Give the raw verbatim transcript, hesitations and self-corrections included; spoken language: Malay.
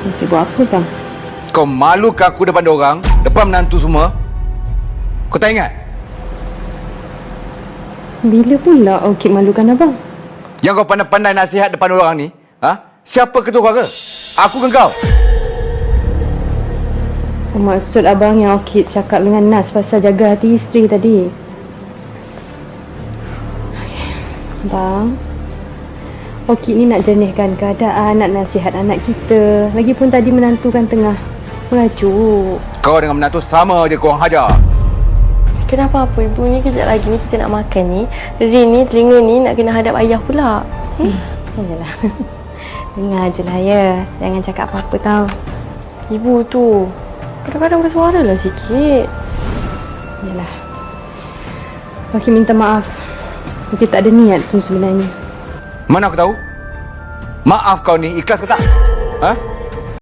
Okey buat apa bang? Kau malukan aku depan orang, depan menantu semua? Kau tak ingat? Bila pula Okey malukan abang? Yang kau pandai-pandai nasihat depan orang ni, ha? Siapa ketua keluarga? Aku ke kau? Maksud abang yang Okey cakap dengan Nas pasal jaga hati isteri tadi. Okay. Bang, Okey ni nak jernihkan keadaan, nak nasihat anak kita. Lagipun tadi menantu kan tengah mengajuk. Kau dengan menantu sama je korang hajar. Kenapa apa ibu ni kejap lagi ni kita nak makan ni. Rin ni telinga ni nak kena hadap ayah pula. Hmm. Yalah. Dengar je lah ya. Jangan cakap apa-apa tau. Ibu tu kadang-kadang bersuara lah sikit. Yalah. Okey minta maaf. Okey tak ada niat pun sebenarnya. Mana aku tahu? Maaf kau ni ikhlas ke tak? Ha?